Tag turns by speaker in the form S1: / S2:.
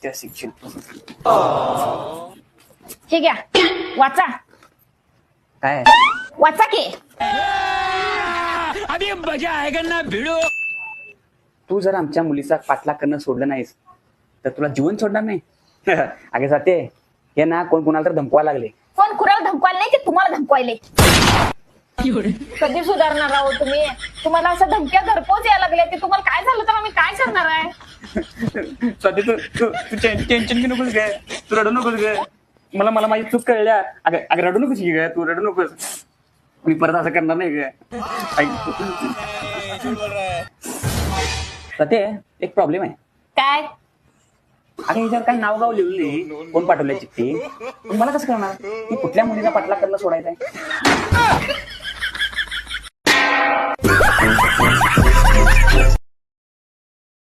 S1: त्या शिक्षण
S2: हे घ्या वाचा
S1: काय
S2: वाचा की.
S3: अभी मजा आएगा ना भिड़ो.
S1: तू जर आमच्या मुलीचा पाठलाग करणं सोडलं नाहीस तर तुला जीवन सोडणार नाही. अगे जाते हे ना कोण कोणाला तर धमकवा लागले.
S2: कोण कुणाला धमकवायला नाही ते तुम्हाला धमकवायले. कधी सुधारणार आहोत तुम्ही? तुम्हाला असं धमक्या घरपोच यायला लागल्या की तुम्हाला काय झालं तर आम्ही काय करणार आहे?
S1: स्वाती तू तू तू टेन्शन घेऊ नकोस ग. तू रडू नकोस ग. मला मला माझी चूक कळल्या. अगं रडू नकोस की ग. तू रडू नकोस. मी परत असं करणार नाही ग. स्वाती एक प्रॉब्लेम आहे.
S2: काय?
S1: अगं ह्याच्यावर काही नाव गाव लिहिली कोण पाठवलंय चिठ्ठी. मला कसं कळणार की कुठल्या मुलीचा पाठलाग करणं सोडायचं आहे.